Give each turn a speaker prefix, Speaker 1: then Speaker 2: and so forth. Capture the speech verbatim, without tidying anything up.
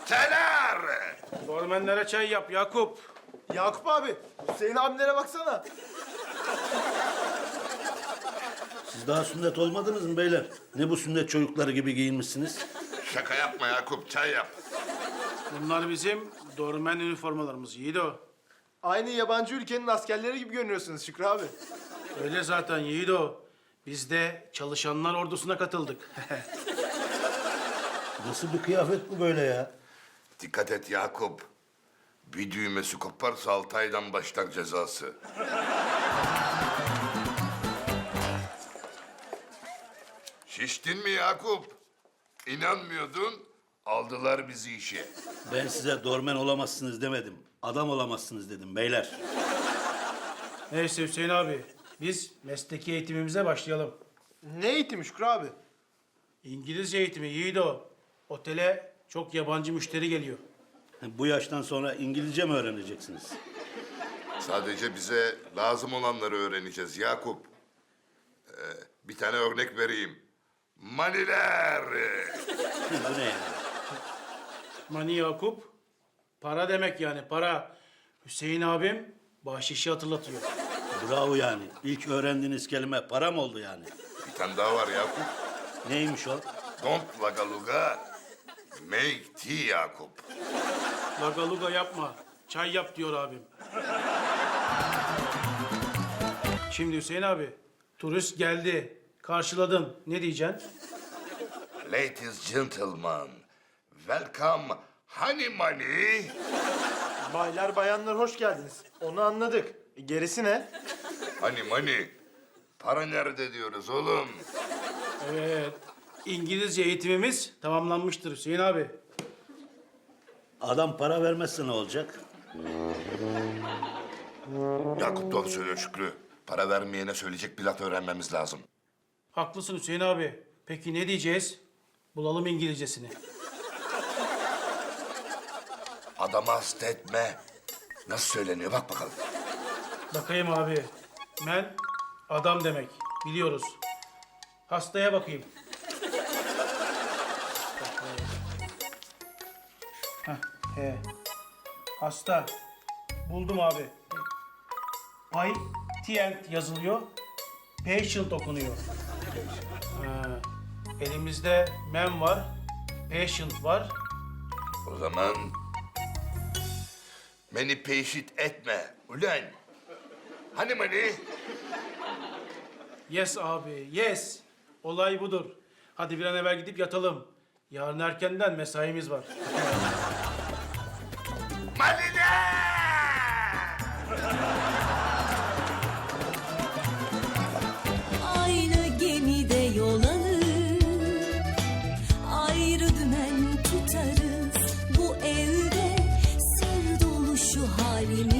Speaker 1: Köfteler!
Speaker 2: Dormenlere çay yap Yakup.
Speaker 3: Yakup abi, Hüseyin abimlere baksana.
Speaker 4: Siz daha sünnet olmadınız mı beyler? Ne bu sünnet çocukları gibi giyinmişsiniz?
Speaker 1: Şaka yapma Yakup, çay yap.
Speaker 2: Bunlar bizim dormen üniformalarımız Yiğido.
Speaker 3: Aynı yabancı ülkenin askerleri gibi görünüyorsunuz Şükrü abi.
Speaker 2: Öyle zaten Yiğido. Biz de çalışanlar ordusuna katıldık.
Speaker 4: Nasıl bir kıyafet bu böyle ya?
Speaker 1: Dikkat et Yakup. Bir düğmesi koparsa altı aydan başlar cezası. Şiştin mi Yakup? İnanmıyordun, aldılar bizi işe.
Speaker 4: Ben size dormen olamazsınız demedim. Adam olamazsınız dedim beyler.
Speaker 2: Neyse Hüseyin abi, biz mesleki eğitimimize başlayalım.
Speaker 3: Ne eğitimi Şükrü abi?
Speaker 2: İngilizce eğitimi Yiğido. Otele çok yabancı müşteri geliyor.
Speaker 4: Bu yaştan sonra İngilizce mi öğreneceksiniz?
Speaker 1: Sadece bize lazım olanları öğreneceğiz Yakup. Ee, bir tane örnek vereyim. Maniler.
Speaker 4: Bu ne yani?
Speaker 2: Mani Yakup, para demek yani para. Hüseyin abim bahşişi hatırlatıyor.
Speaker 4: Bravo yani. İlk öğrendiğiniz kelime para mı oldu yani?
Speaker 1: Bir tane daha var Yakup.
Speaker 4: Neymiş o?
Speaker 1: Don't lagaluga, make tea Yakup.
Speaker 2: Lagaluga yapma, çay yap diyor abim. Şimdi Hüseyin abi, turist geldi, karşıladın. Ne diyeceksin?
Speaker 1: Ladies, gentlemen, welcome honey money.
Speaker 3: Baylar bayanlar hoş geldiniz. Onu anladık. E, gerisi ne?
Speaker 1: Honey money. Para nerede diyoruz oğlum?
Speaker 2: Evet, İngilizce eğitimimiz tamamlanmıştır Hüseyin abi.
Speaker 4: Adam para vermezse ne olacak?
Speaker 1: Yakup doğru söylüyor Şükrü. Para vermeyene söyleyecek bir laf öğrenmemiz lazım.
Speaker 2: Haklısın Hüseyin abi. Peki ne diyeceğiz? Bulalım İngilizcesini.
Speaker 1: Adama hasta etme. Nasıl söyleniyor bak bakalım.
Speaker 2: Bakayım abi. Men adam demek. Biliyoruz. Hastaya bakayım. Heh, he. Hasta. Buldum abi. Patient yazılıyor. Patient okunuyor. Ha, elimizde men var. Patient var.
Speaker 1: O zaman... Beni peşit etme ulan. Hani money?
Speaker 2: Yes abi, yes. Olay budur. Hadi bir an evvel gidip yatalım. Yarın erkenden mesaimiz var.
Speaker 1: Maniler!
Speaker 5: Aynı gemide yol alır, ayrı dümen tutarız. Bu evde sır dolu şu halimiz.